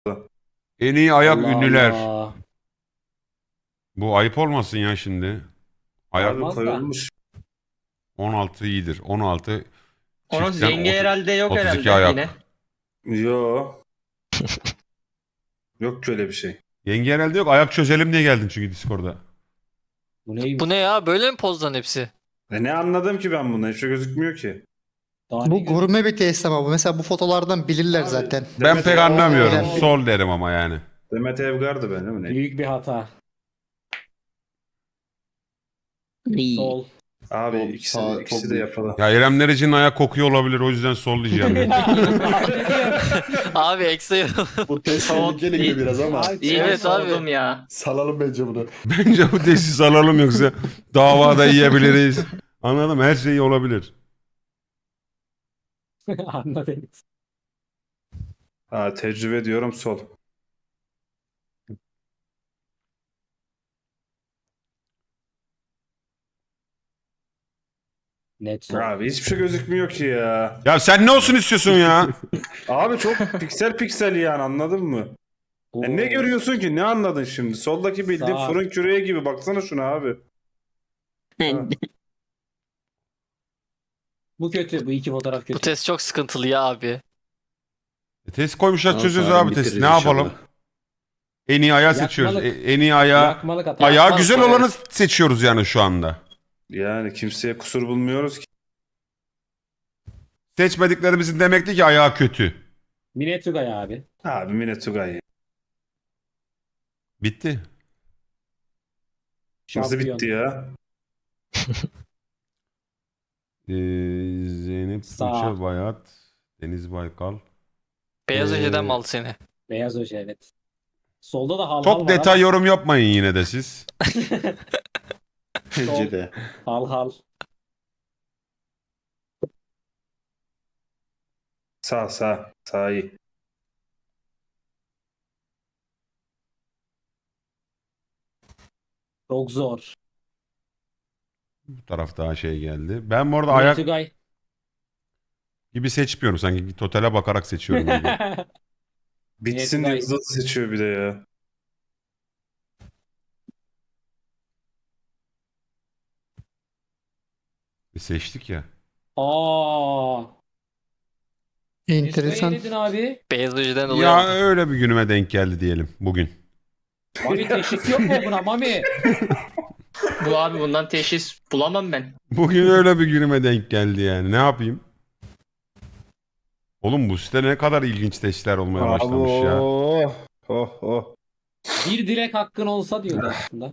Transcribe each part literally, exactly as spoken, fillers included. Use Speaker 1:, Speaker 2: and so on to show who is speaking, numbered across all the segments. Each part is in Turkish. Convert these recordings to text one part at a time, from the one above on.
Speaker 1: En iyi ayak
Speaker 2: Allah
Speaker 1: ünlüler.
Speaker 2: Allah.
Speaker 1: Bu ayıp olmasın ya şimdi. Ayak
Speaker 3: Abi
Speaker 2: Olmaz da.
Speaker 3: koyulmuş.
Speaker 1: on altı iyidir. on altı
Speaker 4: Onun
Speaker 1: çiftten
Speaker 4: yenge
Speaker 1: otu-
Speaker 4: herhalde yok
Speaker 1: otuz iki
Speaker 4: herhalde
Speaker 1: ayak.
Speaker 4: yine.
Speaker 3: Yo. Yok ki öyle bir şey.
Speaker 1: Yenge herhalde yok. Ayak çözelim diye geldin çünkü Discord'a.
Speaker 2: Bu neymiş?
Speaker 5: Bu ne ya? Böyle mi pozdan hepsi?
Speaker 3: E ne anladım ki ben bunu? Hiçbir şey gözükmüyor ki.
Speaker 2: Daha ne
Speaker 6: Bu
Speaker 2: gözüküyor?
Speaker 6: gurme bir test ama bu. Mesela bu fotolardan bilirler
Speaker 3: Abi,
Speaker 6: zaten.
Speaker 1: Ben
Speaker 3: Demet
Speaker 1: pek
Speaker 3: Evgar-
Speaker 1: anlamıyorum.
Speaker 6: Oo.
Speaker 1: Sol derim ama yani.
Speaker 3: Demet Evgar'dı ben değil mi? Ne?
Speaker 2: Büyük bir hata. Sol.
Speaker 3: Abi
Speaker 7: Sol,
Speaker 3: ikisi,
Speaker 7: sağ,
Speaker 3: ikisi
Speaker 7: çok
Speaker 3: de
Speaker 7: büyük.
Speaker 3: yapalım.
Speaker 1: Ya İrem Derici'nin ayak kokuyor olabilir. O yüzden sol diyeceğim.
Speaker 5: Abi Exa'yı
Speaker 7: Bu test
Speaker 4: Sol-
Speaker 7: tehlikeli gibi biraz ama
Speaker 2: Ay,
Speaker 4: İyi
Speaker 5: Evet
Speaker 4: evet,
Speaker 5: abi.
Speaker 4: sordum ya.
Speaker 7: salalım bence bunu.
Speaker 1: Bence bu tesis alalım yoksa davada yiyebiliriz. Anladım. Her şey olabilir.
Speaker 2: Anladın.
Speaker 3: Ha, tecrübe diyorum sol.
Speaker 2: Net sol.
Speaker 3: Abi hiçbir şey gözükmüyor ki ya.
Speaker 1: Ya sen ne olsun istiyorsun ya?
Speaker 3: Abi çok piksel piksel yani anladın mı? E ne
Speaker 2: Oo.
Speaker 3: görüyorsun ki? Ne anladın şimdi? Soldaki bildiğin
Speaker 2: Sağ.
Speaker 3: fırın küreği gibi. Baksana şuna abi. Ha.
Speaker 2: Bu kötü. Bu iki fotoğraf kötü.
Speaker 5: Bu test çok sıkıntılı ya abi.
Speaker 1: E, test koymuşlar
Speaker 7: Daha
Speaker 1: çözüyoruz
Speaker 7: sonra
Speaker 1: abi test.
Speaker 7: bitiririz
Speaker 1: Ne yapalım?
Speaker 7: inşallah.
Speaker 1: En iyi ayağı seçiyoruz. E,
Speaker 2: Yakmalık.
Speaker 1: en iyi ayağı.
Speaker 2: Yakmalık hata.
Speaker 1: Ayağı
Speaker 5: Yakmalık,
Speaker 1: güzel
Speaker 5: evet.
Speaker 1: olanı seçiyoruz yani şu anda.
Speaker 3: Yani kimseye kusur bulmuyoruz ki.
Speaker 1: Seçmediklerimizin demekti ki ayağı kötü.
Speaker 2: Mine Tugay abi.
Speaker 3: Abi Mine Tugay.
Speaker 1: Bitti.
Speaker 3: Nasıl
Speaker 2: Şampiyon.
Speaker 3: bitti ya?
Speaker 1: Ee, Zeynep
Speaker 2: Sağ.
Speaker 1: Tuğçe Bayat. Deniz Baykal.
Speaker 5: Beyaz
Speaker 1: Ee,
Speaker 5: önceden mi aldı seni?
Speaker 2: Beyaz hoca evet. Solda da hal hal
Speaker 1: Çok
Speaker 2: var
Speaker 1: detay
Speaker 2: ama-
Speaker 1: yorum yapmayın yine de siz.
Speaker 7: Bence de.
Speaker 2: Hal hal.
Speaker 3: Sağ sağ. Sağ iyi.
Speaker 2: Çok zor.
Speaker 1: Bu taraf daha şey geldi. Ben bu arada
Speaker 2: Mine
Speaker 1: ayak
Speaker 2: Tugay.
Speaker 1: gibi seçmiyorum. Sanki totale bakarak seçiyorum gibi.
Speaker 3: Bitsin
Speaker 2: Mine
Speaker 3: diye
Speaker 2: Tugay.
Speaker 3: hızlı seçiyor bir de ya.
Speaker 1: E, seçtik ya.
Speaker 2: Aa.
Speaker 6: Enteresan.
Speaker 2: Ne dedin abi?
Speaker 5: Beyaz önceden dolayı
Speaker 1: Ya
Speaker 5: aldı.
Speaker 1: öyle bir günüme denk geldi diyelim bugün.
Speaker 2: Mami teşhis yok mu buna Mami?
Speaker 4: Bu abi bundan teşhis bulamam ben.
Speaker 1: Bugün öyle bir günüme denk geldi yani. Ne yapayım? Oğlum bu site ne kadar ilginç testler olmaya başlamış ya.
Speaker 3: Oh oh oh.
Speaker 2: Bir dilek hakkın olsa diyordu aslında.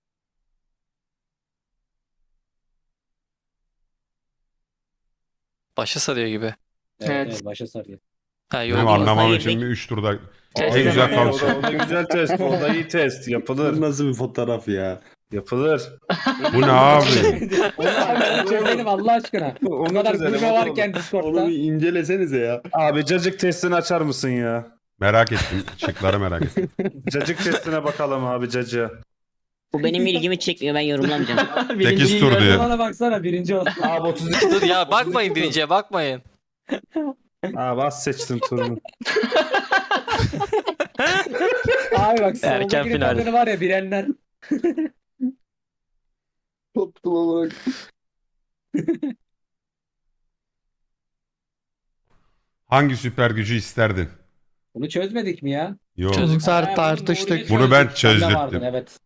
Speaker 5: Başı sarıyor gibi.
Speaker 2: Evet,
Speaker 4: Evet.
Speaker 2: evet başa sarıyor.
Speaker 5: Ha
Speaker 1: Benim
Speaker 5: yok.
Speaker 1: anlamam
Speaker 5: Hayır,
Speaker 1: için bir üç turda
Speaker 4: Test
Speaker 1: en güzel
Speaker 4: edemem.
Speaker 3: O da,
Speaker 1: kalacak.
Speaker 3: o da güzel test. O da iyi test.
Speaker 7: Bu
Speaker 3: Yapılır.
Speaker 7: nasıl bir fotoğraf ya?
Speaker 3: Yapılır.
Speaker 1: Bu ne abi?
Speaker 2: Onu abi onu çözelim Allah aşkına. O
Speaker 3: Onu
Speaker 2: kadar
Speaker 3: çözelim,
Speaker 2: gurme
Speaker 3: onu
Speaker 2: varken
Speaker 7: Onu
Speaker 2: Discord'da.
Speaker 7: bir incelesenize ya.
Speaker 3: Abi cacık testini açar mısın ya?
Speaker 1: Merak ettim. Şıkları merak ettim.
Speaker 3: Cacık testine bakalım abi cacığa.
Speaker 8: Bu benim ilgimi çekmiyor, ben yorumlamayacağım.
Speaker 4: Birinci
Speaker 1: sekiz tur diyor.
Speaker 2: Bana baksana birinci oldu.
Speaker 3: Abi otuz iki.
Speaker 5: Dur ya bakmayın birinciye bakmayın.
Speaker 3: Abi az seçtin turunu.
Speaker 2: Abi bak
Speaker 5: Erken
Speaker 2: soldakinin
Speaker 5: final.
Speaker 2: tadını var ya bilenler.
Speaker 7: Tuttum olarak.
Speaker 1: Hangi süper gücü isterdin?
Speaker 2: Bunu çözmedik mi ya?
Speaker 1: Yok.
Speaker 5: Çözdük.
Speaker 6: Tar-
Speaker 2: Ha,
Speaker 6: tartıştık.
Speaker 2: bunu
Speaker 1: Bunu ben
Speaker 2: çözdük. Sen de
Speaker 1: çözdürttüm.
Speaker 2: vardın, evet.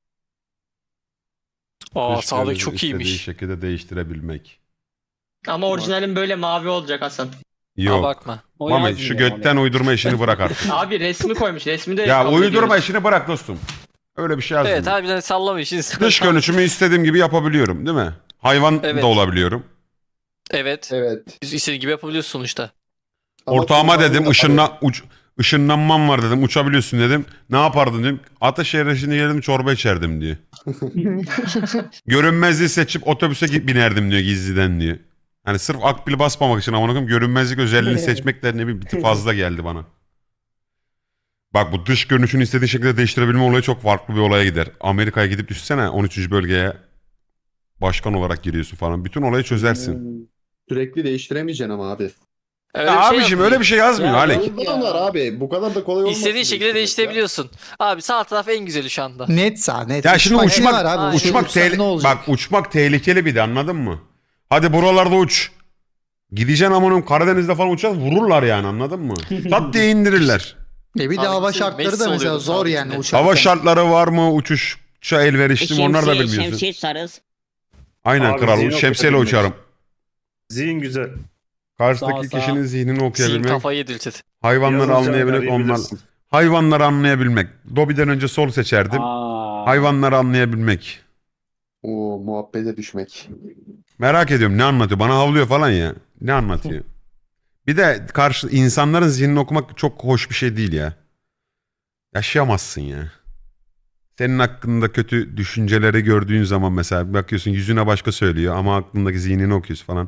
Speaker 5: Aa
Speaker 1: Dış
Speaker 5: sağdaki
Speaker 1: gözü
Speaker 5: çok
Speaker 1: istediği
Speaker 5: iyiymiş.
Speaker 1: şekilde değiştirebilmek.
Speaker 4: Ama orijinalin böyle mavi olacak Hasan.
Speaker 5: Aa
Speaker 1: Yok.
Speaker 5: bakma.
Speaker 2: O
Speaker 1: Mami
Speaker 2: yazmıyor
Speaker 1: şu götten
Speaker 2: Mami.
Speaker 1: uydurma işini bırak artık.
Speaker 4: Abi resmi koymuş. Resmi de
Speaker 1: Ya
Speaker 4: kabul
Speaker 1: uydurma
Speaker 4: ediyoruz.
Speaker 1: işini bırak dostum. Öyle bir şey yazmıyor.
Speaker 5: Evet harbiden sallama işin.
Speaker 1: Dış görünüşümü istediğim gibi yapabiliyorum değil mi? Hayvan
Speaker 5: Evet.
Speaker 1: da olabiliyorum.
Speaker 5: Evet.
Speaker 7: Evet.
Speaker 5: Biz istediğin gibi yapabiliyorsun sonuçta.
Speaker 7: Ama
Speaker 1: Ortağıma
Speaker 7: kullanımı
Speaker 1: dedim
Speaker 7: da-
Speaker 1: ışınla, uç, ışınlanmam var dedim. Uçabiliyorsun dedim. Ne yapardın dedim. Ataşehir'e şimdi geldim çorba içerdim diyor. Görünmezliği seçip otobüse git binerdim diyor gizliden diyor. Hani sırf akbil basmamak için amına koyayım görünmezlik özelliğini seçmek de ne bileyim bir tık fazla geldi bana. Bak bu dış görünüşünü istediğin şekilde değiştirebilme olayı çok farklı bir olaya gider. Amerika'ya gidip düşünsene on üçüncü bölgeye başkan olarak giriyorsun falan. Bütün olayı çözersin.
Speaker 7: Sürekli değiştiremeyeceksin ama abi.
Speaker 5: Öyle
Speaker 1: Ya
Speaker 5: bir şey
Speaker 1: abiciğim
Speaker 5: yazmıyor.
Speaker 1: öyle bir şey yazmıyor
Speaker 2: Ya,
Speaker 1: Alek.
Speaker 2: yok.
Speaker 7: Bu kadar abi. Bu kadar da kolay olmaz.
Speaker 5: İstediğin şekilde değiştirebiliyorsun. Abi sağ taraf en güzeli şu anda.
Speaker 6: Net sağ net.
Speaker 1: Ya şimdi
Speaker 6: ne
Speaker 1: uçmak
Speaker 6: var abi?
Speaker 5: Aynen.
Speaker 1: uçmak
Speaker 6: Uçsan
Speaker 1: tehli-
Speaker 6: ne olacak?
Speaker 1: bak uçmak tehlikeli bir de anladın mı? Hadi buralarda uç. Gideceksin amanım Karadeniz'de falan uçacağız vururlar yani anladın mı? Tat diye indirirler.
Speaker 6: E bir de
Speaker 5: Abi
Speaker 6: hava
Speaker 5: Messi
Speaker 6: şartları da mesela
Speaker 5: oluyordu
Speaker 6: zor
Speaker 5: sağ
Speaker 6: yani
Speaker 5: içinde.
Speaker 6: uçarken.
Speaker 1: Hava şartları var mı uçuşa elverişli mi onlar da
Speaker 8: Şemsiye,
Speaker 1: bilmiyorsun.
Speaker 8: şemsiye sarız.
Speaker 1: Aynen
Speaker 3: Abi
Speaker 1: kral
Speaker 3: zihin
Speaker 1: şemsiyeyle
Speaker 3: okuyabilmek.
Speaker 1: uçarım.
Speaker 3: Zihin güzel.
Speaker 1: Karşıdaki
Speaker 2: Sağ, sağ.
Speaker 1: kişinin zihnini
Speaker 5: Zihin
Speaker 1: okuyabilmek,
Speaker 5: kafayı yedirtir.
Speaker 1: hayvanları
Speaker 3: Yavuz
Speaker 1: anlayabilmek,
Speaker 3: Can'ı
Speaker 1: onlar
Speaker 3: arayabilirsin.
Speaker 1: hayvanları anlayabilmek. Dobby'den önce sol seçerdim.
Speaker 2: Aa.
Speaker 1: Hayvanları anlayabilmek.
Speaker 7: Oo muhabbete düşmek.
Speaker 1: Merak ediyorum ne anlatıyor? Bana havlıyor falan ya. Ne anlatıyor? Bir de karşı insanların zihnini okumak çok hoş bir şey değil ya. Yaşayamazsın ya. Senin hakkında kötü düşünceleri gördüğün zaman mesela bakıyorsun yüzüne başka söylüyor ama aklındaki zihnini okuyorsun falan.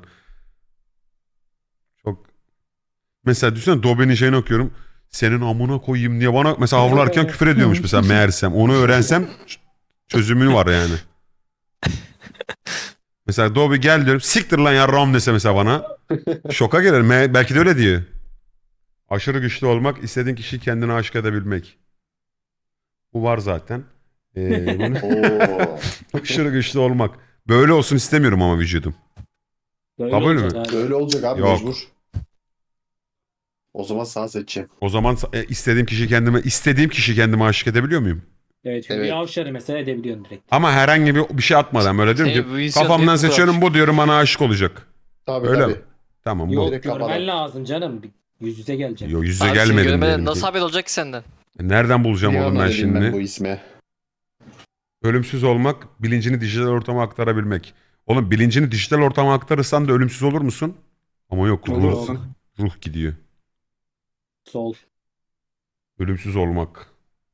Speaker 1: Çok mesela düşünsene Dobby'nin şeyini okuyorum. Senin amına koyayım diye bana mesela havlarken küfür ediyormuş mesela meğersem. Onu öğrensem ç- çözümü var yani. Mesela Dobby gel diyorum. Siktir lan yarram dese mesela bana. Şoka girerim. Me- Belki de öyle diyor. Aşırı güçlü olmak, istediğin kişiyi kendine aşık edebilmek. Bu var zaten. Ee, bunu-
Speaker 7: Oo.
Speaker 1: aşırı güçlü olmak. Böyle olsun istemiyorum ama vücudum.
Speaker 2: Böyle
Speaker 1: Kabul mü?
Speaker 2: olacak abi.
Speaker 7: Öyle olacak abi
Speaker 1: Yok.
Speaker 7: mecbur. O zaman sağ seçeceğim.
Speaker 1: O zaman e, istediğim kişiyi kendime istediğim kişiyi kendime aşık edebiliyor muyum?
Speaker 2: Evet, çünkü
Speaker 7: Evet.
Speaker 2: bir avşarı mesela edebiliyorsun direkt.
Speaker 1: Ama herhangi bir bir şey atmadan böyle diyorum
Speaker 5: Şey,
Speaker 1: ki
Speaker 5: bu insan
Speaker 1: kafamdan
Speaker 5: hep bu
Speaker 1: seçiyorum
Speaker 5: kadar.
Speaker 1: bu diyorum bana aşık olacak.
Speaker 7: Tabii
Speaker 1: Öyle
Speaker 7: tabii.
Speaker 1: mi? Tamam
Speaker 7: Yok,
Speaker 1: bu.
Speaker 7: direkt
Speaker 2: Görmen
Speaker 7: kafadan.
Speaker 2: lazım canım. Bir Yüz yüze geleceksin.
Speaker 1: Yo yüze
Speaker 5: Abi seni
Speaker 1: gelmedim
Speaker 5: görmeden
Speaker 1: diyelim
Speaker 5: nasıl
Speaker 1: ki.
Speaker 5: haber olacak ki senden?
Speaker 1: Nereden bulacağım
Speaker 7: Bir
Speaker 1: oğlum
Speaker 7: an
Speaker 1: ben
Speaker 7: öyleyim ben
Speaker 1: şimdi?
Speaker 7: bu isme.
Speaker 1: Ölümsüz olmak, bilincini dijital ortama aktarabilmek. Oğlum bilincini dijital ortama aktarırsan da ölümsüz olur musun? Ama yok ruh,
Speaker 3: Olursun.
Speaker 1: ruh gidiyor.
Speaker 2: Sol.
Speaker 1: Ölümsüz olmak.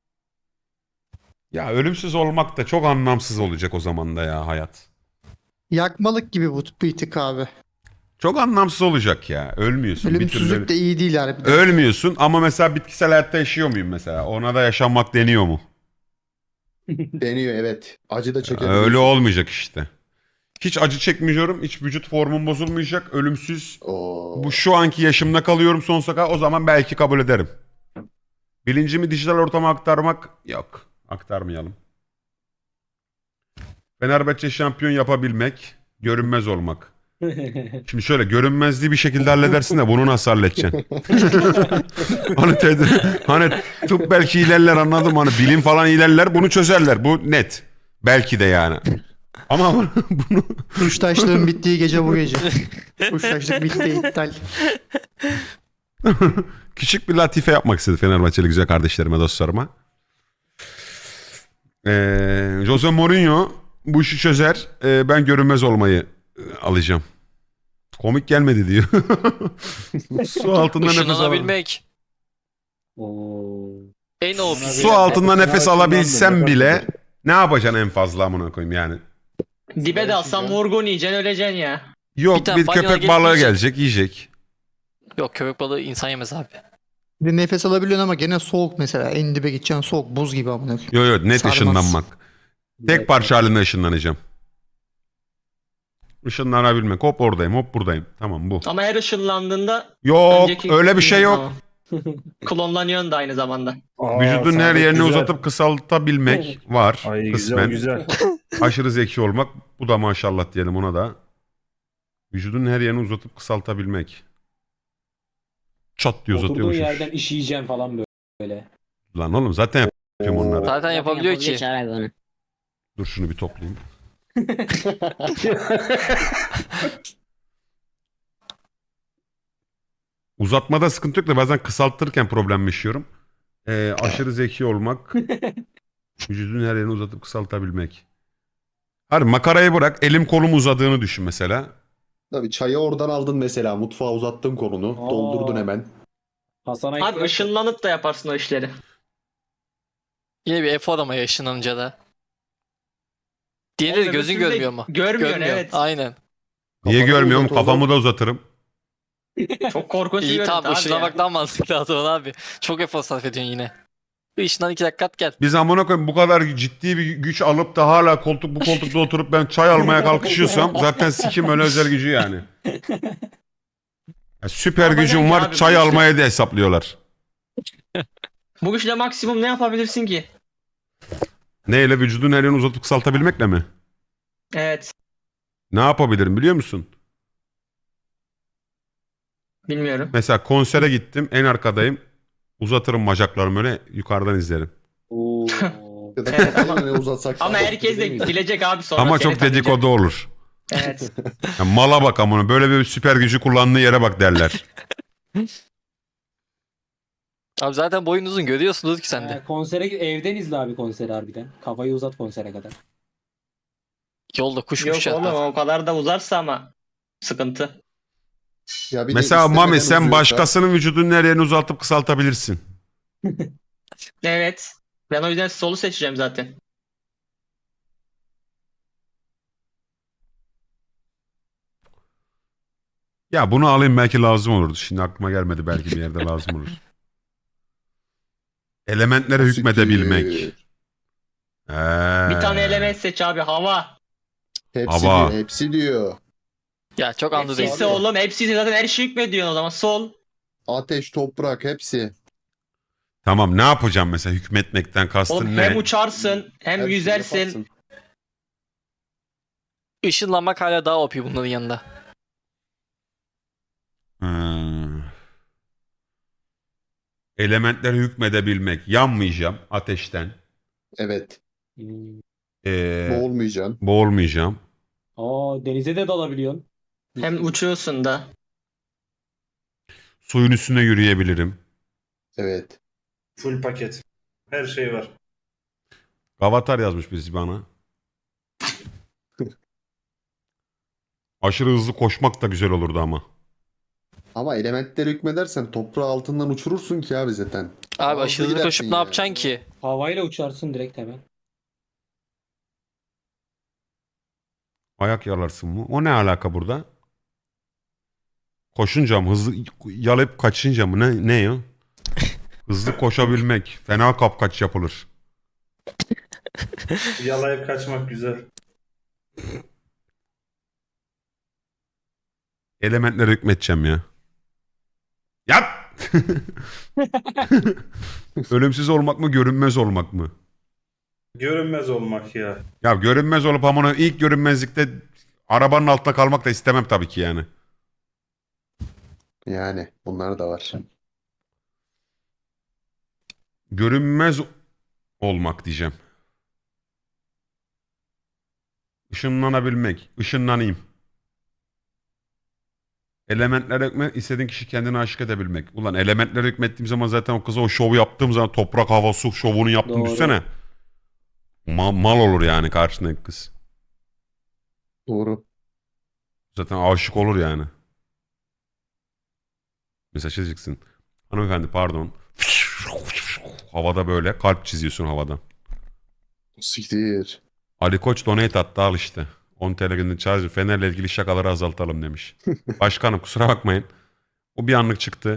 Speaker 1: Ya ölümsüz olmak da çok anlamsız olacak o zaman da ya hayat.
Speaker 6: Yakmalık gibi bu bir tık abi.
Speaker 1: Çok anlamsız olacak ya. Ölmüyorsun. Bir türlü
Speaker 6: Ölümsüzlük de iyi değil harbiden.
Speaker 1: ölmüyorsun ama mesela bitkisel hayatta yaşıyor muyum mesela? Ona da yaşanmak deniyor mu?
Speaker 7: Deniyor evet. Acı da çekebiliyorsun.
Speaker 1: Öyle olmayacak işte. Hiç acı çekmiyorum. Hiç vücut formum bozulmayacak. Ölümsüz.
Speaker 7: Oo.
Speaker 1: Bu şu anki yaşımda kalıyorum sonsuza kadar. O zaman belki kabul ederim. Bilincimi dijital ortama aktarmak yok. Aktarmayalım. Fenerbahçe şampiyon yapabilmek, görünmez olmak. Şimdi şöyle görünmezliği bir şekilde halledersin de bunu nasıl halledeceksin? hani, ted- hani tıp belki ilerler anladım hani bilim falan ilerler bunu çözerler bu net. Belki de yani. Ama bunu, bunu
Speaker 6: Kuştaşlığın bittiği gece bu gece. Kuştaşlık bitti iptal.
Speaker 1: küçük bir latife yapmak istedi Fenerbahçeli güzel kardeşlerime dostlarıma. Ee, Jose Mourinho bu işi çözer. Ee, ben görünmez olmayı e, alacağım. Komik gelmedi diyor. Su altında nefes alabilmek.
Speaker 5: Işınlanabilmek.
Speaker 2: Oo.
Speaker 5: En o
Speaker 1: Su altında nefes
Speaker 3: Ya,
Speaker 1: alabilsem
Speaker 3: şundan da
Speaker 1: bile
Speaker 3: nefes
Speaker 1: ne yapacaksın en fazla amına koyayım yani.
Speaker 4: Dibe de alsan vurgun yiyeceksin öleceksin ya.
Speaker 1: Yok
Speaker 5: Bir
Speaker 1: bir,
Speaker 5: tane balina
Speaker 1: köpek
Speaker 5: gelip
Speaker 1: balığı
Speaker 5: yiyecek.
Speaker 1: gelecek yiyecek.
Speaker 5: Yok köpek balığı insan yemez abi.
Speaker 6: Bir de nefes alabiliyorsun ama gene soğuk mesela. En dibe gideceksin soğuk buz gibi amına koyayım.
Speaker 1: Yok yok net
Speaker 6: Sarmaz.
Speaker 1: ışınlanmak. Tek parça halinde ışınlanacağım. Işınlanabilmek. Hop oradayım hop buradayım. Tamam bu.
Speaker 4: Ama her ışınlandığında
Speaker 1: Yok
Speaker 4: önceki
Speaker 1: öyle bir şey yok.
Speaker 4: Tamam. Klonlanıyorsun da aynı zamanda.
Speaker 3: Aa,
Speaker 1: Vücudun her
Speaker 3: sağlık
Speaker 1: yerini
Speaker 3: güzel.
Speaker 1: uzatıp kısaltabilmek var.
Speaker 3: Ay güzel
Speaker 1: kısmen.
Speaker 3: güzel.
Speaker 1: Aşırı zeki olmak. Bu da maşallah diyelim ona da. Vücudun her yerini uzatıp kısaltabilmek. Çat diye
Speaker 2: Oturduğun
Speaker 1: uzatıyormuş.
Speaker 2: yerden işeyeceksin falan böyle.
Speaker 1: Lan oğlum zaten yapıyorum
Speaker 7: Oo.
Speaker 1: onları.
Speaker 5: Zaten yapabiliyor ki.
Speaker 8: Çağır abi onu.
Speaker 1: Dur şunu bir toplayayım. Uzatmada sıkıntı yok da bazen kısaltırken problem yaşıyorum. Ee, aşırı zeki olmak. Vücudun her yerini uzatıp kısaltabilmek. Hadi makarayı bırak. Elim kolum uzadığını düşün mesela.
Speaker 7: Tabii çayı oradan aldın mesela. Mutfağa uzattın kolunu.
Speaker 2: Aa.
Speaker 7: Doldurdun hemen.
Speaker 2: Hasan'a
Speaker 4: Abi
Speaker 2: ihtiyaç-
Speaker 4: ışınlanıp da yaparsın o işleri.
Speaker 5: Yine bir efor ama yaşınlanınca da. Diğeri
Speaker 4: Oğlum,
Speaker 5: de gözün
Speaker 4: öbür türlü de
Speaker 5: görmüyor mu?
Speaker 4: Görmüyorsun
Speaker 5: Görmüyor.
Speaker 4: evet.
Speaker 5: Aynen.
Speaker 1: Niye
Speaker 7: Kafanı
Speaker 1: görmüyorum?
Speaker 7: uzat oğlum.
Speaker 1: Kafamı da uzatırım.
Speaker 4: Çok korkunç bir
Speaker 5: İyi
Speaker 4: görüntü
Speaker 5: tamam
Speaker 4: abi ya.
Speaker 5: ışınlamak daha mantıklı o zaman abi. Çok efor sarf ediyorsun yine. Işından iki dakika at gel.
Speaker 1: Biz amına koyayım bu kadar ciddi bir güç alıp da hala koltuk bu koltukta oturup ben çay almaya kalkışıyorsam zaten sikim öyle özel gücü yani. Ya süper
Speaker 4: Ama
Speaker 1: gücün
Speaker 4: belki
Speaker 1: var,
Speaker 4: abi
Speaker 1: çay
Speaker 4: bu işte-
Speaker 1: almaya da hesaplıyorlar.
Speaker 4: Bu güçle maksimum ne yapabilirsin ki?
Speaker 1: Neyle, vücudun her yerini uzatıp kısaltabilmekle mi?
Speaker 4: Evet.
Speaker 1: Ne yapabilirim biliyor musun?
Speaker 4: Bilmiyorum.
Speaker 1: Mesela konsere gittim, en arkadayım. Uzatırım bacaklarımı öyle, yukarıdan izlerim.
Speaker 2: Oo.
Speaker 7: Ya da
Speaker 4: Evet,
Speaker 7: kafayı
Speaker 4: ama-
Speaker 7: ne uzatsak.
Speaker 4: Ama
Speaker 7: daha
Speaker 4: herkes
Speaker 7: değil
Speaker 4: de
Speaker 7: miyiz?
Speaker 4: bilecek abi sonra.
Speaker 1: Ama
Speaker 4: seni
Speaker 1: çok
Speaker 4: tanıyacak.
Speaker 1: dedikodu olur.
Speaker 4: Evet.
Speaker 1: Ya mala bak amına, böyle bir süper gücü kullandığı yere bak derler.
Speaker 5: Abi zaten boyun uzun görüyorsunuz ki sen de.
Speaker 2: Ee, konsere evden izle abi konseri harbiden. Kafayı uzat konsere kadar.
Speaker 5: Yolda kuş
Speaker 4: Yok
Speaker 5: kuş
Speaker 4: oğlum
Speaker 5: çatlar.
Speaker 4: o kadar da uzarsa ama sıkıntı.
Speaker 7: Ya bir de
Speaker 1: Mesela
Speaker 7: istemeden
Speaker 1: Mami, sen
Speaker 7: uzuyorsa-
Speaker 1: başkasının vücudunun her yerini uzaltıp kısaltabilirsin.
Speaker 4: Evet. Ben o yüzden solu seçeceğim zaten.
Speaker 1: Ya bunu alayım, belki lazım olurdu. Şimdi aklıma gelmedi, belki bir yerde lazım olur. Elementlere
Speaker 7: Siktir.
Speaker 1: hükmedebilmek. Ee,
Speaker 4: Bir tane element seç abi. Hava.
Speaker 7: Hepsi
Speaker 1: Hava.
Speaker 7: diyor, hepsi diyor.
Speaker 5: Ya çok anladım.
Speaker 4: Hepsi oğlum. Hepsi zaten her şey hükmediyorsun o zaman. Sol.
Speaker 7: Ateş, toprak hepsi.
Speaker 1: Tamam, ne yapacağım mesela, hükmetmekten kastın
Speaker 4: Oğlum
Speaker 1: ne?
Speaker 4: hem uçarsın hem
Speaker 7: Her şeyi
Speaker 4: yüzersin.
Speaker 7: yaparsın.
Speaker 5: Işınlanmak hala daha O P bunların yanında.
Speaker 1: Hmm. Elementlere hükmedebilmek. Yanmayacağım ateşten.
Speaker 7: Evet.
Speaker 2: Hmm.
Speaker 1: Ee,
Speaker 7: Boğulmayacaksın.
Speaker 1: boğulmayacağım.
Speaker 2: Aa, denize de dalabiliyorsun.
Speaker 4: Hem uçuyorsun da.
Speaker 1: Suyun üstünde yürüyebilirim.
Speaker 7: Evet.
Speaker 3: Full paket. Her şey var.
Speaker 1: Avatar yazmış birisi bana. Aşırı hızlı koşmak da güzel olurdu ama.
Speaker 7: Ama elementlere hükmedersen toprağı altından uçurursun ki abi zaten.
Speaker 5: Abi
Speaker 7: Hızlı
Speaker 5: aşırı hızlı
Speaker 7: gidersin
Speaker 5: koşup ne
Speaker 7: ya.
Speaker 5: yapacaksın ki?
Speaker 2: Havayla uçarsın direkt hemen.
Speaker 1: Ayak yalarsın mı? O ne alaka burada? Koşunca mı? Hızlı yalayıp kaçınca mı? Ne, ne ya? Hızlı koşabilmek. Fena kapkaç yapılır.
Speaker 3: Yalayıp kaçmak güzel.
Speaker 1: Elementlere hükmedeceğim ya. Yat! Ölümsüz olmak mı, görünmez olmak mı?
Speaker 3: Görünmez olmak ya.
Speaker 1: Ya görünmez olup ama ilk görünmezlikte arabanın altında kalmak da istemem tabii ki yani.
Speaker 7: Yani bunlar da var.
Speaker 1: Görünmez olmak diyeceğim. Işınlanabilmek. Işınlanayım. Elementlere hükmet, istediğin kişi kendine aşık edebilmek. Ulan elementlere hükmettiğim zaman zaten o kıza o şovu yaptığım zaman, toprak, hava, su şovunu yaptım
Speaker 2: Doğru.
Speaker 1: düşünsene. Ma- mal olur yani karşındaki kız.
Speaker 7: Doğru.
Speaker 1: Zaten aşık olur yani. Mesela şey diyeceksin. Hanımefendi pardon. Havada böyle kalp çiziyorsun havadan.
Speaker 7: Siktir.
Speaker 1: Ali Koç donate attı, al işte. on T L günlük charge, Fener'le ilgili şakaları azaltalım demiş. Başkanım kusura bakmayın. O bir anlık çıktı.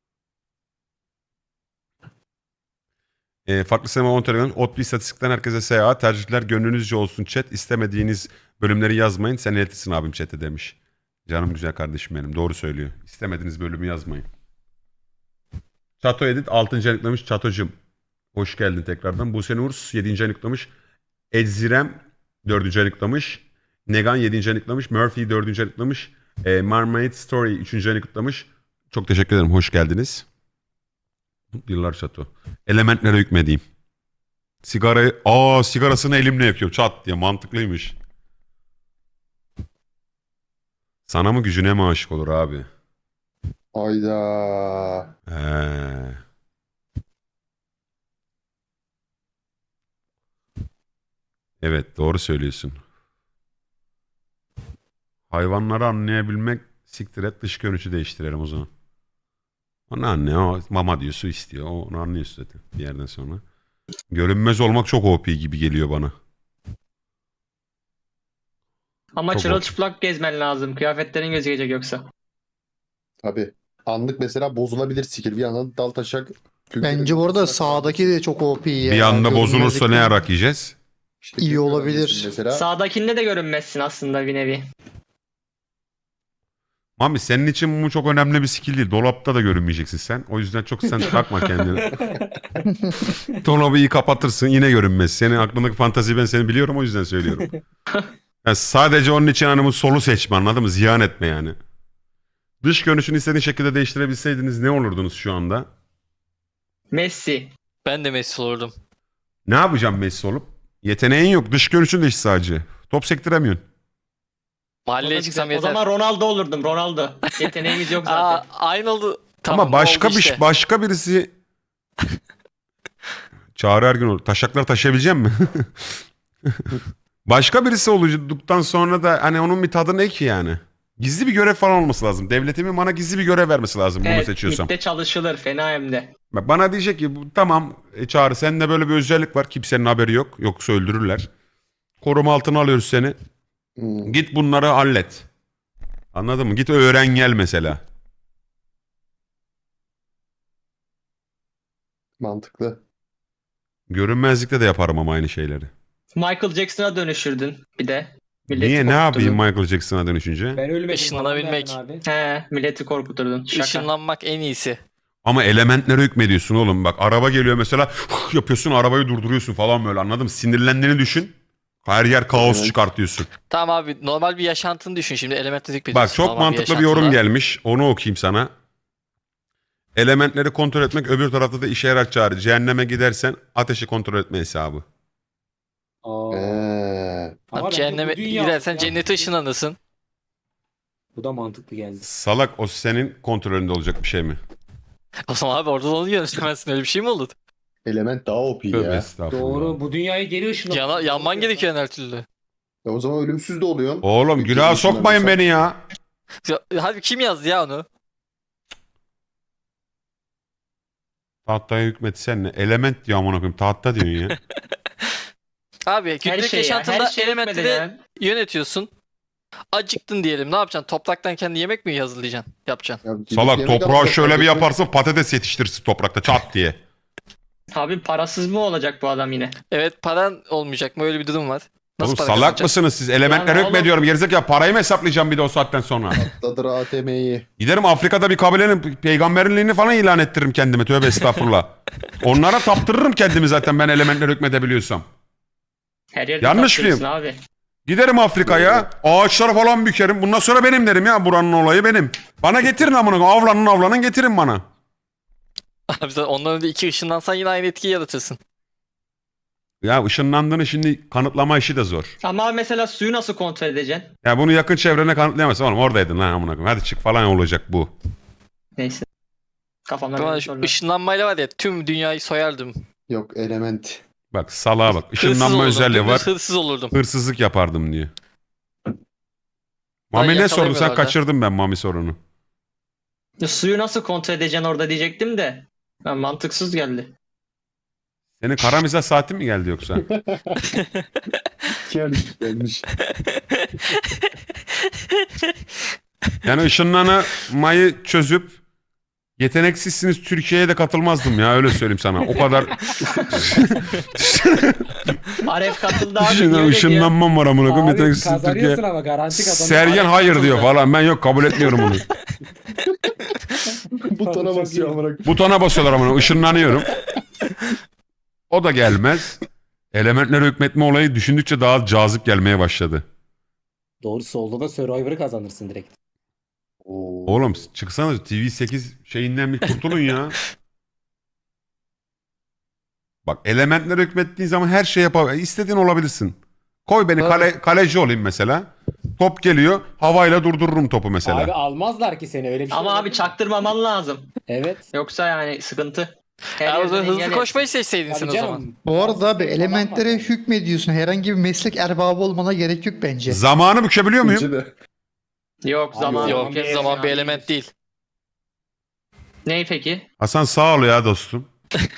Speaker 1: E, farklı sinema on T L günlük. Otlu istatistikten herkese S A. Tercihler gönlünüzce olsun chat. İstemediğiniz bölümleri yazmayın. Sen iletirsin abim chat'e demiş. Canım güzel kardeşim benim. Doğru söylüyor. İstemediğiniz bölümü yazmayın. Çato Edit altıncı ayıklamış. Çatocum. Hoş geldin tekrardan. Buse Nur yedinci ayıklamış. Edzirem dördüncü ayıklamış. Negan yedinci ayıklamış. Murphy dördüncü ayıklamış. E, Marmaid Story üçüncü ayıklamış. Çok teşekkür ederim. Hoş geldiniz. Yıllar Çato. Elementlere hükmedeyim. Sigarayı... Aa sigarasını elimle yakıyorum. Çat diye. Mantıklıymış. Sana mı gücüne mi aşık olur abi?
Speaker 7: Hayda.
Speaker 1: He. Evet doğru söylüyorsun. Hayvanları anlayabilmek, siktir et, dış görünüşü değiştirelim o zaman. O ne anne, o mama diyor, su istiyor. O, onu anlıyorsun zaten bir yerden sonra. Görünmez olmak çok O P gibi geliyor bana.
Speaker 4: Ama
Speaker 1: Çok
Speaker 4: çırılçıplak gezmen lazım. Kıyafetlerin gözükecek yoksa.
Speaker 7: Tabii. Anlık mesela bozulabilir skill. Bir yandan dal taşak.
Speaker 6: Bence bu arada sağdaki de çok O P ya.
Speaker 1: Bir anda bozulursa ne
Speaker 6: Görünmezlikten
Speaker 1: yarak yiyeceğiz?
Speaker 7: İşte
Speaker 6: iyi
Speaker 7: görünmezsin
Speaker 6: olabilir.
Speaker 7: Mesela
Speaker 4: Sağdakinde de görünmezsin aslında bir nevi.
Speaker 1: Mami senin için bu çok önemli bir skill değil. Dolapta da görünmeyeceksin sen. O yüzden çok sen takma kendini. Dolabı iyi kapatırsın yine görünmez. Senin aklındaki fantaziyi ben seni biliyorum o yüzden söylüyorum. Yani sadece onun için hani bu solu seçme anladın mı? Ziyan etme yani. Dış görünüşünü istediğin şekilde değiştirebilseydiniz ne olurdunuz şu anda?
Speaker 4: Messi.
Speaker 5: Ben de Messi olurdum.
Speaker 1: Ne yapacağım Messi olup? Yeteneğin yok. Dış görünüşün de işte sadece. Top sektiremiyorsun.
Speaker 4: O, da
Speaker 5: Mahalleye çıksam
Speaker 4: güzel. O
Speaker 5: yeter.
Speaker 4: zaman Ronaldo olurdum. Ronaldo. Yeteneğimiz yok
Speaker 5: Aa,
Speaker 4: zaten.
Speaker 5: aynı oldu. Tamam,
Speaker 1: Ama başka
Speaker 5: oldu
Speaker 1: bir
Speaker 5: işte.
Speaker 1: başka birisi Çağrı Ergün olur. Taşaklar taşıyabilecek mi? Başka birisi olduktan sonra da hani onun bir tadı ne ki yani? Gizli bir görev falan olması lazım. Devletimin bana gizli bir görev vermesi lazım bunu
Speaker 4: Evet,
Speaker 1: seçiyorsam.
Speaker 4: midde çalışılır. Fena hem de.
Speaker 1: Bak bana diyecek ki bu- tamam e, Çağrı sende böyle bir özellik var. Kimsenin haberi yok. Yoksa öldürürler. Koruma altına alıyoruz seni.
Speaker 7: Hmm,
Speaker 1: Git bunları hallet. Anladın mı? Git öğren gel mesela.
Speaker 7: mantıklı.
Speaker 1: Görünmezlikte de yaparım ama aynı şeyleri.
Speaker 4: Michael Jackson'a dönüşürdün bir de. Milleti
Speaker 1: Niye ne yapayım
Speaker 4: korkuturdun.
Speaker 1: Michael Jackson'a dönüşünce?
Speaker 2: Ben ölmedim.
Speaker 5: Işınlanabilmek.
Speaker 2: falan derdin abi.
Speaker 4: He, milleti korkuturdun. Şaka.
Speaker 5: Işınlanmak en iyisi.
Speaker 1: Ama elementlere hükmediyorsun oğlum. Bak araba geliyor mesela yapıyorsun arabayı durduruyorsun falan böyle anladın mı? Sinirlendiğini düşün. Her yer kaos
Speaker 7: Evet.
Speaker 1: çıkartıyorsun.
Speaker 5: Tamam abi normal bir yaşantını düşün şimdi elementle
Speaker 1: Bak
Speaker 5: ediyorsun.
Speaker 1: çok
Speaker 5: normal
Speaker 1: mantıklı bir yorum
Speaker 5: yaşantında.
Speaker 1: gelmiş. Onu okuyayım sana. Elementleri kontrol etmek öbür tarafta da işe yarar Çağrı. Cehenneme gidersen ateşi kontrol etme hesabı.
Speaker 2: Aa.
Speaker 7: Ee,
Speaker 2: Ama
Speaker 5: Abi
Speaker 2: bence
Speaker 5: cehenneme
Speaker 2: bu dünya-
Speaker 5: gidersen
Speaker 2: ya-
Speaker 5: cennete ışınlanırsın.
Speaker 2: Bu da mantıklı geldi.
Speaker 1: Salak o senin kontrolünde olacak bir şey mi?
Speaker 5: O zaman abi orada da onu yönetemezsin öyle bir şey mi olur?
Speaker 7: element daha O P
Speaker 1: Tövbe
Speaker 7: ya.
Speaker 1: estağfurullah.
Speaker 2: Doğru. Bu dünyaya geri ışınlan.
Speaker 5: Yana, yanman gerekiyor her türlü.
Speaker 7: E o zaman ölümsüz de oluyorsun.
Speaker 1: Oğlum
Speaker 7: Ülkenin
Speaker 1: günaha
Speaker 7: dışından
Speaker 1: sokmayın
Speaker 7: mesela.
Speaker 1: beni ya.
Speaker 5: Ya, hadi kim yazdı ya onu?
Speaker 1: Tahtaya hükmetsen ne? Element diyor amına koyayım. Tahta diyorsun ya.
Speaker 5: Abi
Speaker 4: Her
Speaker 5: günlük
Speaker 4: şey ya.
Speaker 5: yaşantında
Speaker 4: Her şey
Speaker 5: elementleri
Speaker 4: etmeden ya.
Speaker 5: yönetiyorsun. Acıktın diyelim ne yapacaksın? Topraktan kendi yemek mi hazırlayacaksın? Yapacaksın.
Speaker 7: Ya gidip
Speaker 1: Salak
Speaker 7: yemek
Speaker 1: toprağı
Speaker 7: alacak
Speaker 1: şöyle bir
Speaker 7: kardeşim.
Speaker 1: yaparsın patates yetiştirirsin toprakta çat diye.
Speaker 4: Abi parasız mı olacak bu adam yine?
Speaker 5: Evet paran olmayacak mı? Öyle bir durum var. Nasıl
Speaker 1: Oğlum
Speaker 5: para
Speaker 1: salak
Speaker 5: kazanacaksın?
Speaker 1: mısınız siz? Elementlere
Speaker 4: Yani
Speaker 1: hükmediyorum. Gerizekalı parayı mı hesaplayacağım bir de o saatten sonra?
Speaker 7: Dadır A T M'yi.
Speaker 1: Giderim Afrika'da bir kabilenin peygamberliğini falan ilan ettiririm kendime. Tövbe estağfurullah. Onlara taptırırım kendimi zaten ben elementlere hükmedebiliyorsam.
Speaker 4: Her yerde
Speaker 1: Yanlış
Speaker 4: kaptırırsın
Speaker 1: mıyım?
Speaker 4: Abi.
Speaker 1: Giderim Afrika'ya ağaçlara falan bükerim. Bundan sonra benim derim ya buranın olayı benim. Bana getirin amına koyayım. Avlanın avlanın getirin bana.
Speaker 5: Abi sen ondan önce iki ışınlansan yine aynı etkiyi yaratırsın.
Speaker 1: Ya ışınlandığını şimdi kanıtlama işi de zor.
Speaker 4: Ama mesela suyu nasıl kontrol edeceksin?
Speaker 1: Ya bunu yakın çevrene kanıtlayamazsın. Oğlum oradaydın lan amına koyayım. Hadi çık falan olacak bu.
Speaker 4: Neyse. Kafamdan
Speaker 5: Ama
Speaker 4: böyle
Speaker 5: şu
Speaker 4: sorular.
Speaker 5: ışınlanmayla var ya tüm dünyayı soyardım.
Speaker 7: Yok element.
Speaker 1: Bak salağa bak.
Speaker 5: Hırsız
Speaker 1: Işınlanma
Speaker 5: olurdum.
Speaker 1: özelliği
Speaker 5: dümdüz
Speaker 1: var.
Speaker 5: Hırsız olurdum.
Speaker 1: Hırsızlık yapardım diyor. Mami ne sordu? Sen
Speaker 5: yakalayamıyorlar da.
Speaker 1: kaçırdın ben Mami sorunu.
Speaker 4: Ya suyu nasıl kontrol edeceksin orada diyecektim de. Ha, mantıksız geldi.
Speaker 1: Senin kara mizah saatin mi geldi yoksa?
Speaker 7: Gelmiş gelmiş.
Speaker 1: Yani ışınlanmayı çözüp yeteneksizsiniz Türkiye'ye de katılmazdım ya öyle söyleyeyim sana. O kadar
Speaker 4: Aref katıldı abi.
Speaker 1: Işınlan-
Speaker 4: niye öyle diyor?
Speaker 1: ışınlanmam var amına koyayım.
Speaker 2: Abi
Speaker 1: Yeteneksizsiniz
Speaker 2: kazanıyorsun
Speaker 1: Türkiye.
Speaker 2: ama garanti kazanıyorsun.
Speaker 1: Sergen
Speaker 2: Arif
Speaker 1: hayır
Speaker 2: kazanıyor.
Speaker 1: diyor falan. Ben yok kabul etmiyorum onu.
Speaker 7: Butona basıyor amına koyayım.
Speaker 1: Butona basıyorlar amına. Işınlanıyorum. O da gelmez. Elementlere hükmetme olayı düşündükçe daha cazip gelmeye başladı.
Speaker 2: Doğru solda da Survivor'ı kazanırsın direkt.
Speaker 7: Oo.
Speaker 1: Oğlum çıksana T V sekiz şeyinden bir kurtulun ya. Bak elementlere hükmettiğin zaman her şey yapabilirsin. İstediğin olabilirsin. Koy beni kale, kaleci olayım mesela. Top geliyor. Havayla durdururum topu mesela.
Speaker 2: Abi almazlar ki seni öyle bir şey.
Speaker 4: Ama
Speaker 2: olabilir
Speaker 4: abi
Speaker 2: mi?
Speaker 4: çaktırmaman lazım.
Speaker 2: Evet.
Speaker 4: Yoksa yani sıkıntı. Her
Speaker 5: Ya o
Speaker 4: yerden
Speaker 5: zaman hızlı
Speaker 4: engel
Speaker 5: koşmayı seçseydin sen
Speaker 2: Tabii
Speaker 5: o
Speaker 2: canım.
Speaker 5: zaman.
Speaker 6: Bu arada abi
Speaker 2: Falan
Speaker 6: elementlere
Speaker 2: var.
Speaker 6: hükmediyorsun. Herhangi bir meslek erbabı olmana gerek yok bence.
Speaker 1: Zamanı bükebiliyor muyum?
Speaker 7: Bence de.
Speaker 4: Yok
Speaker 2: Abi
Speaker 4: zaman
Speaker 5: Yok
Speaker 2: bir-
Speaker 5: zaman bir element değil.
Speaker 4: Ney peki?
Speaker 1: Hasan sağ ol ya dostum.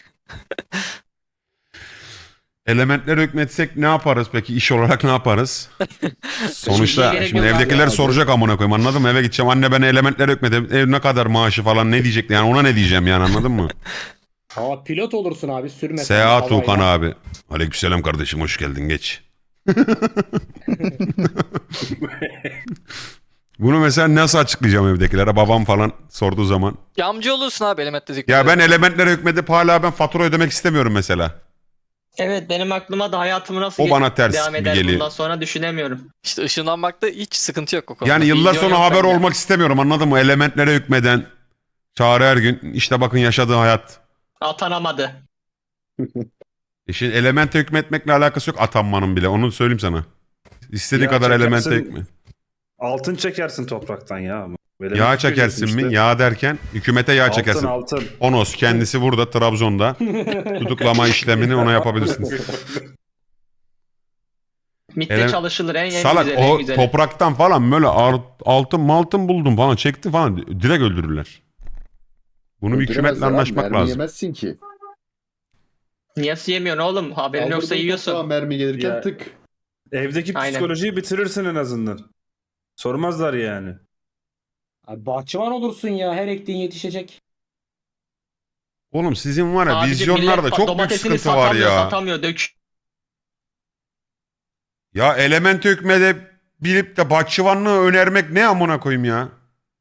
Speaker 1: Elementlere hükmetsek ne yaparız peki? İş olarak ne yaparız? Sonuçta
Speaker 4: gerek
Speaker 1: şimdi
Speaker 4: yok abi
Speaker 1: evdekiler
Speaker 7: ya.
Speaker 1: soracak amına koyayım anladın mı? Eve gideceğim anne ben elementlere hükmedim. Ev ne kadar maaşı falan ne diyecek yani ona ne diyeceğim yani anladın mı?
Speaker 2: Ama pilot olursun abi sürmesen.
Speaker 1: Seyahat
Speaker 2: havayla.
Speaker 1: Tuğkan abi. Aleykümselam kardeşim hoş geldin geç. Bunu mesela nasıl açıklayacağım evdekilere? Babam falan sorduğu zaman.
Speaker 5: Yamcı olursun abi elementle hükmede.
Speaker 1: Ya ben elementlere hükmedip hala ben fatura ödemek istemiyorum mesela.
Speaker 4: Evet benim aklıma da hayatımı nasıl
Speaker 1: O bana ters
Speaker 4: devam
Speaker 1: gibi
Speaker 4: eder
Speaker 1: geliyor.
Speaker 4: bundan sonra düşünemiyorum.
Speaker 5: İşte ışınlanmakta hiç sıkıntı yok o konuda.
Speaker 1: Yani yıllar
Speaker 4: Vizyon
Speaker 1: sonra
Speaker 4: yok
Speaker 1: haber
Speaker 4: bende.
Speaker 1: olmak istemiyorum, anladın mı? Elementlere hükmeden Çağrı Ergün işte bakın yaşadığı hayat.
Speaker 4: Atanamadı.
Speaker 1: E şimdi elemente hükmetmekle alakası yok atanmanın bile, onu söyleyeyim sana. İstediğin
Speaker 3: Ya
Speaker 1: kadar elemente
Speaker 3: çekersin,
Speaker 1: hükmet.
Speaker 3: Altın çekersin topraktan ya. Böyle
Speaker 1: Yağ
Speaker 3: bir şey
Speaker 1: çekersin
Speaker 3: işte.
Speaker 1: mi? Yağ derken hükümete yağ
Speaker 3: Altın
Speaker 1: çekersin.
Speaker 3: altın.
Speaker 1: Onos kendisi burada Trabzon'da. Tutuklama işlemini ona yapabilirsiniz.
Speaker 4: MİT'te
Speaker 1: Ele-
Speaker 4: çalışılır en, en
Speaker 1: Salak
Speaker 4: güzeli en
Speaker 1: o
Speaker 4: güzeli.
Speaker 1: topraktan falan böyle ar- altın maltın buldum falan çekti falan direkt öldürürler. Bunu bir hükümetle
Speaker 7: Öldüremezler abi,
Speaker 1: anlaşmak
Speaker 7: mermi
Speaker 1: lazım.
Speaker 7: yemezsin ki.
Speaker 4: Niye yemiyorsun oğlum? Haberin yoksa
Speaker 7: Kaldırdın
Speaker 4: yiyorsun.
Speaker 7: toprağa mermi gelirken
Speaker 3: Ya.
Speaker 7: tık.
Speaker 3: Evdeki
Speaker 4: Aynen.
Speaker 3: psikolojiyi bitirirsin en azından. Sormazlar yani.
Speaker 2: Abi bahçıvan olursun ya. Her ektiğin yetişecek.
Speaker 1: Oğlum sizin var ya
Speaker 4: Abicim,
Speaker 1: vizyonlarda
Speaker 4: millet
Speaker 1: çok büyük
Speaker 4: domatesini
Speaker 1: sıkıntı var
Speaker 4: satamıyor,
Speaker 1: ya.
Speaker 4: Satamıyor dök.
Speaker 1: Ya element hükmede bilip de bahçıvanlığı önermek ne amına koyayım ya.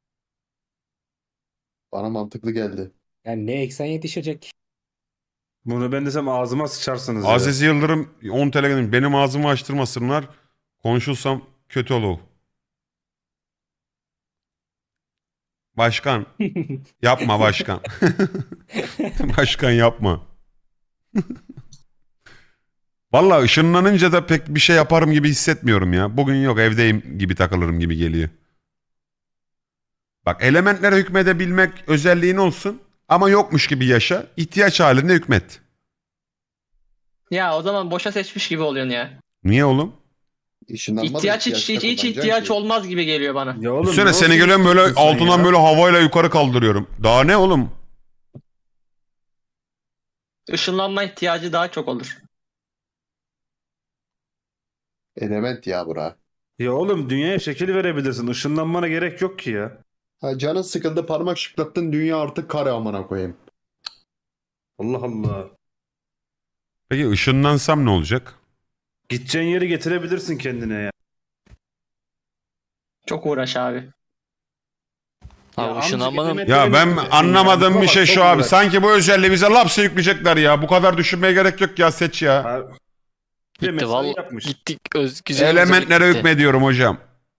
Speaker 7: Bana mantıklı geldi.
Speaker 2: Yani ne eksen yetişecek.
Speaker 3: Bunu ben desem ağzıma sıçarsınız ya.
Speaker 1: Aziz Yıldırım on T L göndermiş. Benim ağzımı açtırmasınlar. Konuşulsam kötü olur. Başkan. Yapma başkan. Başkan yapma. Vallahi ışınlanınca da pek bir şey yaparım gibi hissetmiyorum ya. Bugün yok evdeyim gibi takılırım gibi geliyor. Bak elementlere hükmedebilmek özelliğin olsun ama yokmuş gibi yaşa. İhtiyaç halinde hükmet.
Speaker 4: Ya o zaman boşa seçmiş gibi oluyorsun ya.
Speaker 1: Niye oğlum?
Speaker 7: İşinden
Speaker 4: İhtiyaç hiç, hiç, hiç ihtiyaç olmaz gibi geliyor bana.
Speaker 3: Ya oğlum,
Speaker 1: Düşünsene
Speaker 3: ne
Speaker 1: seni
Speaker 3: olsun
Speaker 1: geliyorum böyle
Speaker 3: istiyorsun sen
Speaker 1: altından
Speaker 3: ya?
Speaker 1: böyle havayla yukarı kaldırıyorum. Daha ne oğlum?
Speaker 4: Işınlanma ihtiyacı daha çok olur.
Speaker 7: Element ya bura.
Speaker 3: Ya oğlum dünyaya şekil verebilirsin. Işınlanmana gerek yok ki ya.
Speaker 7: Ha, canın sıkıldı parmak şıklattın dünya artık kare amına koyayım.
Speaker 3: Allah Allah.
Speaker 1: Peki ışınlansam ne olacak?
Speaker 3: Gideceğin yeri getirebilirsin kendine ya.
Speaker 4: Çok uğraş abi.
Speaker 5: Abi
Speaker 3: amcık
Speaker 5: ışınlanmanın
Speaker 3: element-
Speaker 1: Ya ben
Speaker 3: Element-
Speaker 1: anlamadığım
Speaker 3: Baba,
Speaker 1: bir şey
Speaker 3: çok
Speaker 1: şu abi.
Speaker 3: uğraş.
Speaker 1: Sanki bu özelliği bize lapse yükleyecekler ya. Bu kadar düşünmeye gerek yok ya, seç ya.
Speaker 3: Ha, bir de
Speaker 5: gitti
Speaker 3: mesai
Speaker 5: vallahi
Speaker 3: yapmış.
Speaker 5: gittik öz, güzel
Speaker 1: Elementlere
Speaker 5: gitti.
Speaker 1: hükmediyorum hocam.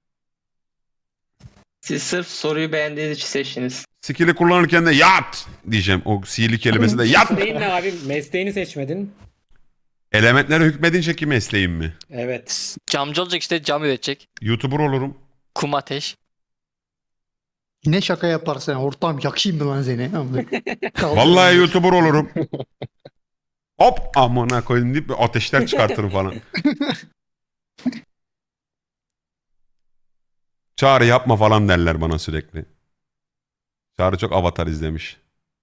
Speaker 4: Siz sırf soruyu beğendiğiniz için seçtiniz.
Speaker 1: Skill'i kullanırken de yat diyeceğim. O sihirli kelimesi de yat.
Speaker 2: Mesleğin ne abi? Mesleğini seçmedin.
Speaker 1: Elementlere hükmedince ki mesleğim mi?
Speaker 2: Evet.
Speaker 5: Camcı olacak işte cam üretecek.
Speaker 1: YouTuber olurum.
Speaker 5: Kum ateş.
Speaker 6: Yine şaka yaparsın. Ortam yakayım mı lan seni? Kaldır
Speaker 1: Vallahi
Speaker 6: beni.
Speaker 1: YouTuber olurum. Hop amına koyayım deyip ateşler çıkartırım falan. Çağrı yapma falan derler bana sürekli. Çağrı çok Avatar izlemiş.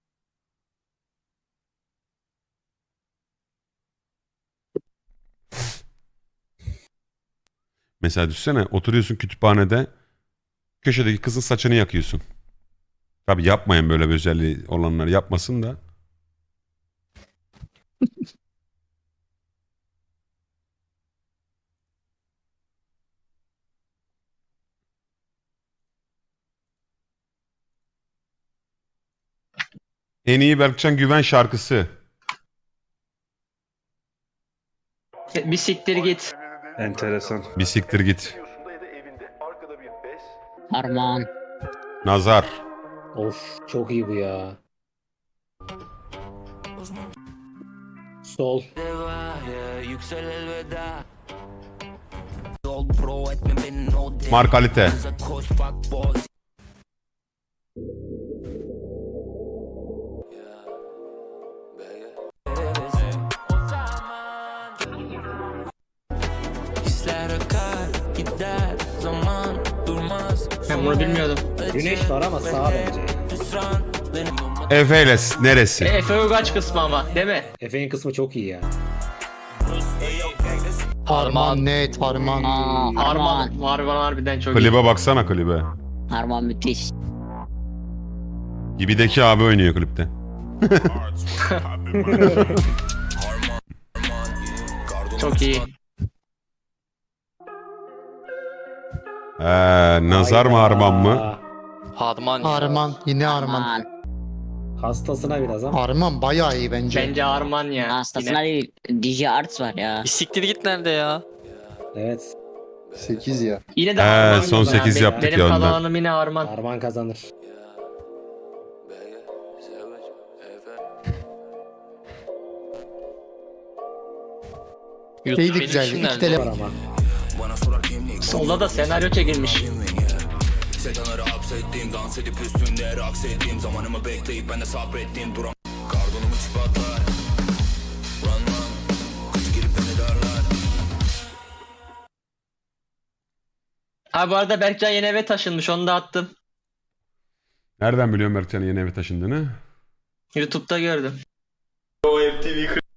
Speaker 1: Mesela düşünsene oturuyorsun kütüphanede köşedeki kızın saçını yakıyorsun. Tabi yapmayın, böyle bir özelliği olanlar yapmasın da. En iyi Berkcan Güven şarkısı.
Speaker 4: Bir siktir git.
Speaker 3: Enteresan.
Speaker 1: Bir siktir git.
Speaker 8: Harman.
Speaker 1: Nazar.
Speaker 2: Of çok iyi bu ya. Sol.
Speaker 1: Markalite.
Speaker 4: Ben bunu bilmiyordum.
Speaker 2: Güneş var ama sağ bence.
Speaker 1: Efe ile
Speaker 4: E,
Speaker 1: neresi?
Speaker 4: Efe Ugaç kısmı ama değil mi?
Speaker 2: Efe'nin kısmı çok iyi ya.
Speaker 6: Harman net harman.
Speaker 8: Aa,
Speaker 4: Harman.
Speaker 8: Harman.
Speaker 4: Harman harbiden çok iyi.
Speaker 1: Klibe baksana klibe.
Speaker 8: Harman müthiş.
Speaker 1: Gibideki abi oynuyor klipte.
Speaker 4: Çok iyi.
Speaker 1: Ee, nazar mı Arman mı?
Speaker 2: Aa,
Speaker 5: Harman. ya.
Speaker 6: Arman. Yine Arman.
Speaker 8: Aman.
Speaker 2: Hastasına biraz ama.
Speaker 6: Arman bayağı iyi bence.
Speaker 4: Bence Arman ya.
Speaker 8: Hastasına
Speaker 4: Yine.
Speaker 8: değil. D J Arts var ya.
Speaker 5: Bir siktir git nerede ya?
Speaker 2: Evet.
Speaker 7: sekiz ya.
Speaker 4: Yine de
Speaker 1: Ee,
Speaker 4: Arman
Speaker 1: son
Speaker 4: ya.
Speaker 1: sekiz
Speaker 4: Benim-
Speaker 1: yaptık
Speaker 4: Benim
Speaker 1: ya ondan.
Speaker 4: kalanım yine Arman.
Speaker 2: Arman kazanır.
Speaker 5: YouTube
Speaker 6: İyi de
Speaker 5: benim
Speaker 6: güzel.
Speaker 5: işim
Speaker 6: İki
Speaker 5: nerede?
Speaker 6: tele...
Speaker 2: Var ama.
Speaker 4: Solda da senaryo çekilmiş. Ha bu arada Berkcan yeni eve taşınmış, onu da attım.
Speaker 1: Nereden biliyorum Berkcan'ın yeni eve taşındığını?
Speaker 4: YouTube'da gördüm.
Speaker 9: O M T V